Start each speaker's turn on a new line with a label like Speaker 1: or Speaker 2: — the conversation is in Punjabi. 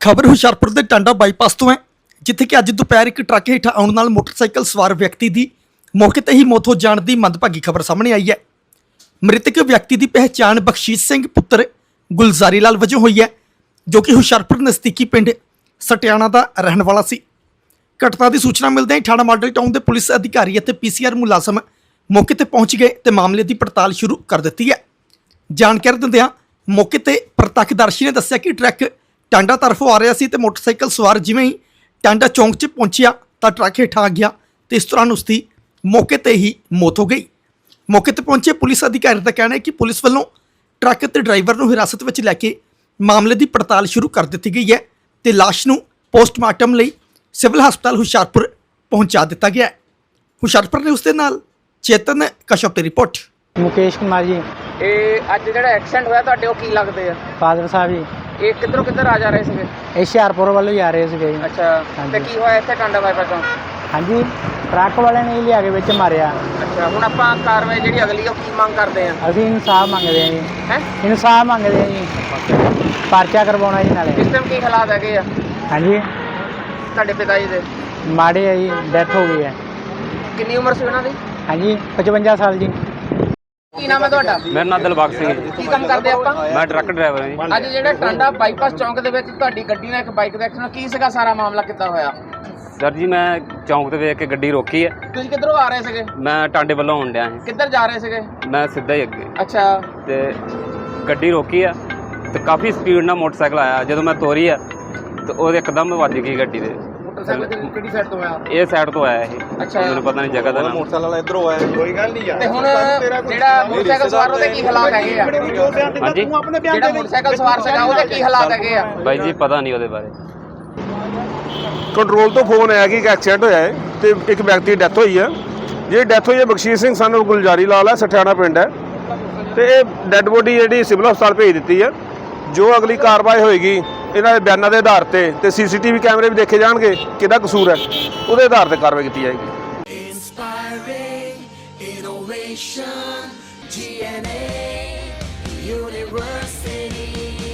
Speaker 1: खबर हुशियारपुर के टांडा बाईपास तो है जिथे कि अज दोपहर एक ट्रक हेठ आने नाल मोटरसाइकिल सवार व्यक्ति की मौके ते ही मौत हो जाने की मंदभागी खबर सामने आई है। मृतक व्यक्ति की पहचान बख्शीश सिंह पुत्र गुलजारी लाल वजों हुई है, जो कि हुशियारपुर नज़दीकी पिंड सटियाणा का रहने वाला सी। घटना की सूचना मिलते ही थाना मॉडल टाउन के पुलिस अधिकारी और पीसीआर मुलाजम मौके पर पहुंच गए तो मामले की पड़ताल शुरू कर दी है। जानकारी दिंदियां मौके पर प्रत्यक्षदर्शी ने दस्सिया कि ट्रक टांडा तरफों आ रहा सी ते मोटरसाइकिल सवार जिवें ही टांडा चौंक 'च पहुंचिया तो ट्रक हेठ आ गया तो इस दौरान उसकी मौके पर ही मौत हो गई। मौके पर पहुंचे पुलिस अधिकारी का कहना है कि पुलिस वालों ट्रक ते ड्राइवर को हिरासत में लैके मामले की पड़ताल शुरू कर दी गई है तो लाश को पोस्टमार्टम लई सिविल हस्पताल हुशियारपुर पहुंचा दिता गया है। हुशियारपुर न्यूज़ के नाल चेतन कश्यप की रिपोर्ट।
Speaker 2: मुकेश कुमार जी।
Speaker 3: ਇਹ ਅੱਜ ਜਿਹੜਾ ਐਕਸੀਡੈਂਟ ਹੋਇਆ ਤੁਹਾਡੇ ਉਹ ਕੀ ਲੱਗਦੇ ਆ?
Speaker 2: ਫਾਦਰ ਸਾਹਿਬ ਜੀ।
Speaker 3: ਇਹ ਕਿੱਧਰੋਂ ਕਿੱਧਰ ਆ ਜਾ ਰਹੇ ਸੀਗੇ?
Speaker 2: ਇਹ ਹੁਸ਼ਿਆਰਪੁਰ ਵੱਲੋਂ ਹੀ ਆ ਰਹੇ ਸੀਗੇ ਜੀ।
Speaker 3: ਅੱਛਾ
Speaker 2: ਹਾਂਜੀ।
Speaker 3: ਤੇ ਕੀ ਹੋਇਆ ਇੱਥੇ ਟਾਂਡਾ ਬਾਈਪਾਸ ਤੋਂ?
Speaker 2: ਹਾਂਜੀ, ਟਰੱਕ ਵਾਲਿਆਂ ਨੇ ਹੀ ਲਿਆ ਕੇ ਵਿੱਚ ਮਾਰਿਆ।
Speaker 3: ਅੱਛਾ, ਹੁਣ ਆਪਾਂ ਕਾਰਵਾਈ ਜਿਹੜੀ ਅਗਲੀ ਉਹ ਕੀ ਮੰਗ ਕਰਦੇ ਆ?
Speaker 2: ਅਸੀਂ ਇਨਸਾਫ ਮੰਗਦੇ ਹਾਂ ਜੀ।
Speaker 3: ਹੈ
Speaker 2: ਇਨਸਾਫ ਮੰਗਦੇ ਹਾਂ ਜੀ, ਪਰਚਾ ਕਰਵਾਉਣਾ ਜੀ ਨਾਲੇ।
Speaker 3: ਇਸ ਟਾਈਮ ਕੀ ਹਾਲਾਤ ਹੈਗੇ ਆ
Speaker 2: ਹਾਂਜੀ,
Speaker 3: ਤੁਹਾਡੇ ਪਿਤਾ ਜੀ ਦੇ?
Speaker 2: ਮਾੜੇ ਆ ਜੀ, ਡੈਥ ਹੋ ਗਈ ਹੈ।
Speaker 3: ਕਿੰਨੀ ਉਮਰ ਸੀ ਉਹਨਾਂ ਦੀ?
Speaker 2: ਹਾਂਜੀ, 55 ਸਾਲ ਜੀ।
Speaker 3: ਕੀ ਨਾਮ ਹੈ ਤੁਹਾਡਾ?
Speaker 4: ਮੇਰਾ ਨਾਮ ਦਿਲਬਾਗ ਸਿੰਘ ਹੈ ਜੀ।
Speaker 3: ਕੀ ਕੰਮ ਕਰਦੇ ਆਪਾਂ?
Speaker 4: ਮੈਂ ਟਰੱਕ ਡਰਾਈਵਰ ਹਾਂ ਜੀ।
Speaker 3: ਅੱਜ ਜਿਹੜਾ ਟਾਂਡਾ ਬਾਈਪਾਸ ਚੌਂਕ ਦੇ ਵਿੱਚ ਤੁਹਾਡੀ ਗੱਡੀ ਨਾਲ ਇੱਕ ਬਾਈਕ ਦਾ ਐਕਸੀਡੈਂਟ, ਕੀ ਸੀਗਾ ਸਾਰਾ ਮਾਮਲਾ, ਕਿੱਦਾਂ ਹੋਇਆ?
Speaker 4: ਸਰ ਜੀ, ਮੈਂ ਚੌਂਕ ਤੇ ਵੇਖ ਕੇ ਗੱਡੀ ਰੋਕੀ ਹੈ।
Speaker 3: ਤੁਸੀਂ ਕਿੱਧਰੋਂ ਆ ਰਹੇ ਸੀਗੇ?
Speaker 4: ਮੈਂ ਟਾਂਡੇ ਵੱਲੋਂ ਆਉਣ ਡਿਆ ਸੀ।
Speaker 3: ਕਿੱਧਰ ਜਾ ਰਹੇ ਸੀਗੇ?
Speaker 4: ਮੈਂ ਸਿੱਧਾ ਹੀ ਅੱਗੇ
Speaker 3: ਅੱਛਾ,
Speaker 4: ਤੇ ਗੱਡੀ ਰੋਕੀ ਆ ਤੇ ਕਾਫੀ ਸਪੀਡ ਨਾਲ ਮੋਟਰਸਾਈਕਲ ਆਇਆ। ਜਦੋਂ ਮੈਂ ਤੋਰੀ ਆ ਤੇ ਉਹਦੇ ਇੱਕਦਮ ਵੱਜ ਗਈ ਗੱਡੀ ਦੇ।
Speaker 3: ਮੋਟਰਸਾਈਕਲ ਕਿਹੜੀ ਸਾਈਡ ਤੋਂ ਆਇਆ?
Speaker 4: ਇਹ ਸਾਈਡ ਤੋਂ ਆਇਆ ਇਹ।
Speaker 3: ਅੱਛਾ,
Speaker 4: ਮੈਨੂੰ ਪਤਾ ਨਹੀਂ ਜਗ੍ਹਾ ਦਾ ਨਾਮ।
Speaker 5: ਮੋਟਰਸਾਈਕਲ ਵਾਲਾ ਇਧਰੋਂ ਆਇਆ, ਕੋਈ ਗੱਲ ਨਹੀਂ ਯਾਰ।
Speaker 3: ਤੇ ਹੁਣ ਜਿਹੜਾ ਮੋਟਰਸਾਈਕਲ ਸਵਾਰ ਉਹਦੇ ਕੀ ਹਾਲਾਤ ਹੈਗੇ ਆ?
Speaker 4: ਹਾਂਜੀ,
Speaker 3: ਜਿਹੜਾ ਮੋਟਰਸਾਈਕਲ ਸਵਾਰ ਸੀਗਾ ਉਹਦੇ ਕੀ ਹਾਲਾਤ ਹੈਗੇ ਆ?
Speaker 4: ਬਾਈ ਜੀ ਪਤਾ ਨਹੀਂ ਉਹਦੇ ਬਾਰੇ।
Speaker 5: ਕੰਟਰੋਲ ਤੋਂ ਫੋਨ ਆਇਆ ਕਿ ਇੱਕ ਐਕਸੀਡੈਂਟ ਹੋਇਆ ਹੈ ਤੇ ਇੱਕ ਵਿਅਕਤੀ ਦੀ ਡੈਥ ਹੋਈ ਹੈ। ਜਿਹੜੀ ਡੈਥ ਹੋਈ ਹੈ ਬਖਸ਼ੀਸ਼ ਸਿੰਘ ਸਨ ਗੁਲਜਾਰੀ ਲਾਲ ਹੈ, ਸਠਿਆਣਾ ਪਿੰਡ ਹੈ ਤੇ ਇਹ ਡੈੱਡ ਬੋਡੀ ਜਿਹੜੀ ਸਿਵਲ ਹਸਪਤਾਲ ਭੇਜ ਦਿੱਤੀ ਹੈ। ਜੋ ਅਗਲੀ ਕਾਰਵਾਈ ਹੋਏਗੀ ਇਹਨਾਂ ਦੇ ਬਿਆਨਾਂ ਦੇ ਆਧਾਰ ਤੇ ਸੀਸੀਟੀਵੀ ਕੈਮਰੇ ਵੀ ਦੇਖੇ ਜਾਣਗੇ ਕਿਹਦਾ ਕਸੂਰ ਹੈ, ਉਹਦੇ ਆਧਾਰ ਤੇ ਕਾਰਵਾਈ ਕੀਤੀ ਜਾਏਗੀ।
Speaker 6: Innovation, GNA University.